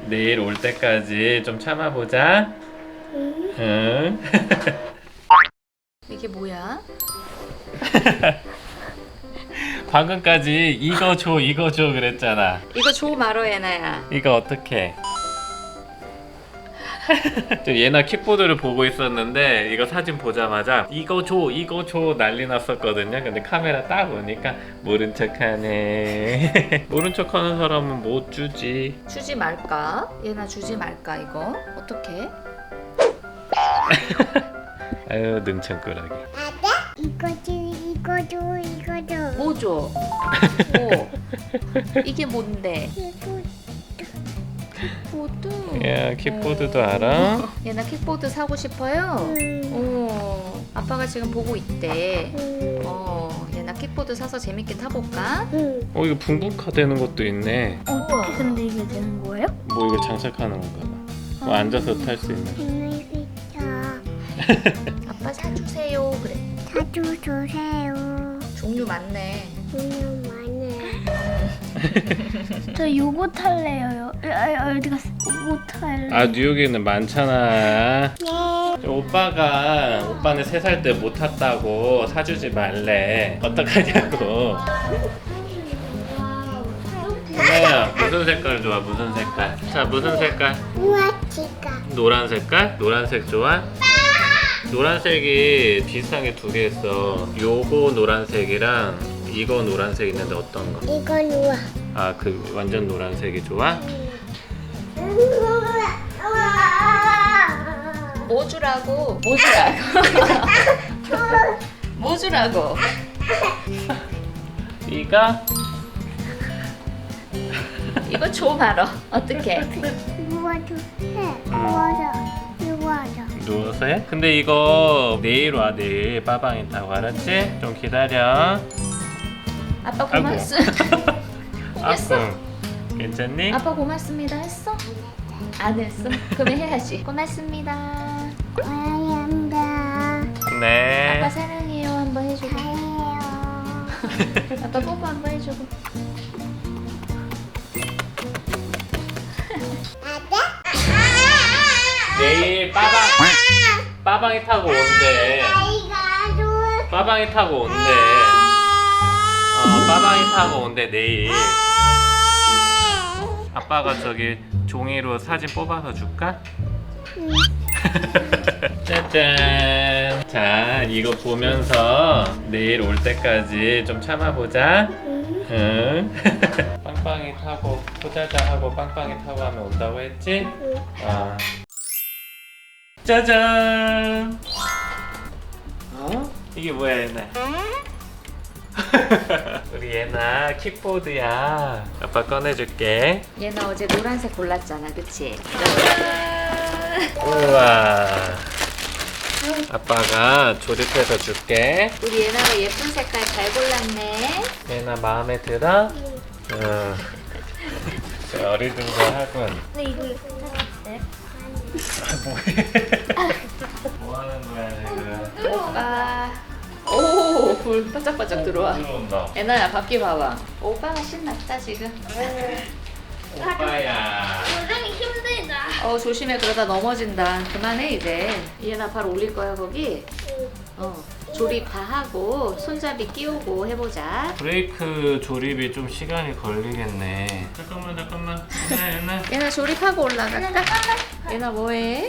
내일 올 때까지 좀 참아보자. 응. 이게 뭐야? 방금까지 이거 줘 이거 줘 그랬잖아. 이거 줘 말어 예나야. 이거 어떡해? 저 예나 킥보드를 보고 있었는데 이거 사진 보자마자 이거 줘 난리 났었거든요. 근데 카메라 딱 오니까 모른 척하네. 모른 척하는 사람은 못 주지. 주지 말까? 예나 주지 말까 이거? 어떡해? 아유 능청꾸러기. 이거 줘, 이거 줘, 이거 줘. 뭐 줘? 뭐? 이게 뭔데? 킥보드. 야 킥보드도 알아? 예나 킥보드 사고 싶어요? 아빠가 지금 보고 있대. 예나 킥보드 사서 재밌게 타볼까? 이거 붕붕카 되는 것도 있네. 어떻게 근데 이게 되는 거예요? 뭐 이거 장착하는 건가 봐. 뭐 앉아서 탈 수 있는. 아빠 사주세요. 그래. 자주 주세요. 종류 많네. 그냥 많아요. 저 요거 탈래요. 어디 갔어? 요거 탈래. 아 뉴욕에는 많잖아. 네. 오빠는 3살 때 못 탔다고 사주지 말래. 어떡하냐고. 하나야 무슨 색깔 좋아? 무슨 색깔? 자 무슨 색깔? 우아치가. 노란 색깔? 노란색 좋아? 노란색이 비슷한 게 2개 있어. 요거 노란색이랑 이거 노란색 있는데 어떤 거? 이건 우아. 아 그 완전 노란색이 좋아? 뭐 주라고? 뭐 주라고? 뭐 주라고? 이거? 이거 줘 말어. 어떡해? 누워줘. 해. 누워줘. 누워줘. 누워서 해? 근데 이거 내일 와 내일 빠방이 타고 알았지? 좀 기다려. 아빠 고맙습. 했어? 아프 괜찮니? 아빠 고맙습니다 했어? 안 했어? 그러면 해야지. 고맙습니다. 감사합니다. 네. 아빠 사랑해요 한번 해주고. 잘해요. 아빠 뽀뽀 한번 해주고. 내일 빠방이 타고 온대. 빠방이 타고 온대. 빠방이 타고 온대 내일. 아빠가 저기 종이로 사진 뽑아서 줄까? 짜잔. 자 이거 보면서 내일 올 때까지 좀 참아보자. 응. 빵빵이 타고 포자자 하고 빵빵이 타고 하면 온다고 했지? 아. 짜잔. 이게 뭐야 얘나? 우리 얘나 킥보드야. 아빠 꺼내줄게. 얘는 어제 노란색 골랐잖아 그치? 우와. 아빠가 조립해서 줄게. 우리 얘나가 예쁜 색깔 잘 골랐네. 얘나 마음에 들어? 응. 어리둥절하군. 근데 이거 샀대. 뭐 하는 거야 지금? 오빠. 오, 불 반짝반짝 들어와. 들어온다. 얘나야 밖에 봐봐. 오빠가 신났다 지금. 오빠야. 요즘 힘들다. 조심해 그러다 넘어진다. 그만해 이제. 얘나 발 올릴 거야 거기. 조립 다 하고 손잡이 끼우고 해보자. 브레이크 조립이 좀 시간이 걸리겠네. 잠깐만. 얘나. 얘나 조립하고 올라갈까? 얘나 뭐해?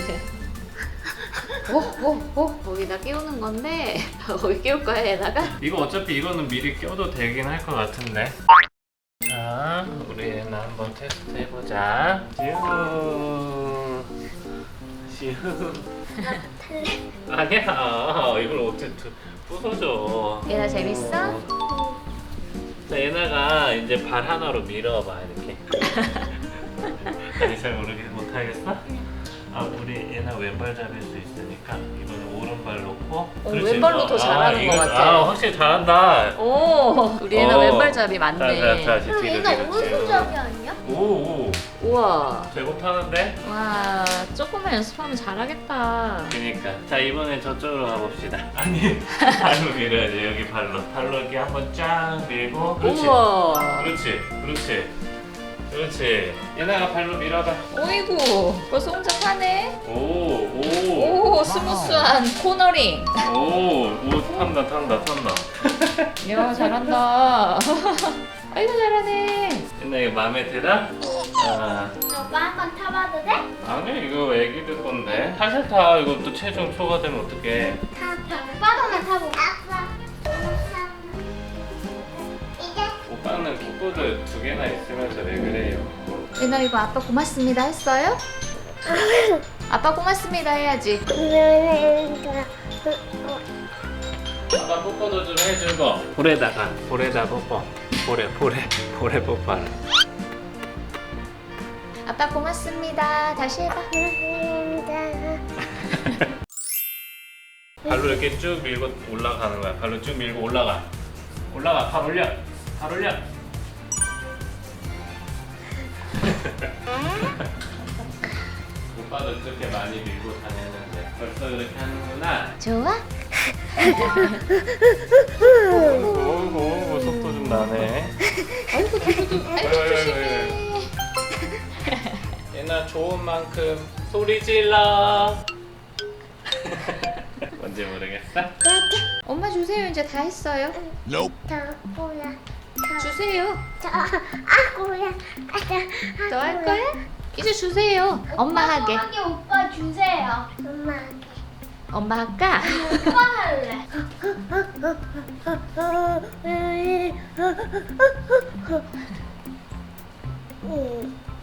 거기다 끼우는 건데 거기 끼울 거야 얘나가? 이거 어차피 이거는 미리 껴도 되긴 할 것 같은데. 자, 우리 얘나 한번 테스트 해보자. 슈. 아니야. 이걸 어떻게 부서져? 얘나 재밌어? 자, 얘나가 이제 발 하나로 밀어봐 이렇게. 아니 잘 못하겠어? 우리 얘나 왼발 잡일 수 있으니까 이거는 오른발 놓고. 그렇지. 왼발로 더 잘하는 것 같아. 확실히 잘한다. 오, 우리 얘나 왼발잡이 맞네. 다시 뒤로 얘가 뒤로. 오른손잡이 아니야? 오. 우와. 잘 못하는데? 와, 조금만 연습하면 잘하겠다. 그니까. 자 이번엔 저쪽으로 가봅시다. 아니 발로 밀어야지. 여기 발로 이렇게 한번 쫙 밀고. 그렇지. 우와. 그렇지. 그렇지. 예나가 발로 밀어봐. 오이구 벌써 혼자 타네. 오. 스무스한 코너링. 오, 탄다. 야 잘한다. 아이고 잘하네. 예나 이거 마음에 들어? 아. 오빠 한번 타봐도 돼? 아니 이거 애기들 건데. 살살 타. 이거 또 체중 초과되면 어떡해. 오빠도만 타보고. 아빠. 이제. 오빠는 킥보드 2개나 있으면서 왜 그래요? 예나 이거 아빠 고맙습니다 했어요? 아빠 고맙습니다 해야지. 아빠 뽀뽀도 좀 해주고. 볼에다가 뽀뽀. 볼에 뽀뽀하라. 아빠 고맙습니다. 다시 해봐. 발로 이렇게 쭉 밀고 올라가는 거야. 발로 쭉 밀고 올라가. 발 올려. 오빠도 그렇게 많이 밀고 다녔는데 벌써 그렇게 하는구나. 좋아? 오, 속도 좀 나네. 아이고 조심해. 얘나 좋은 만큼 소리 질러. 뭔지 모르겠어? 엄마 주세요. 이제 다 했어요. 주세요. 더 할 거야? 이제 주세요. 엄마 하게. 오빠 주세요. 엄마 할까? 오빠 할래.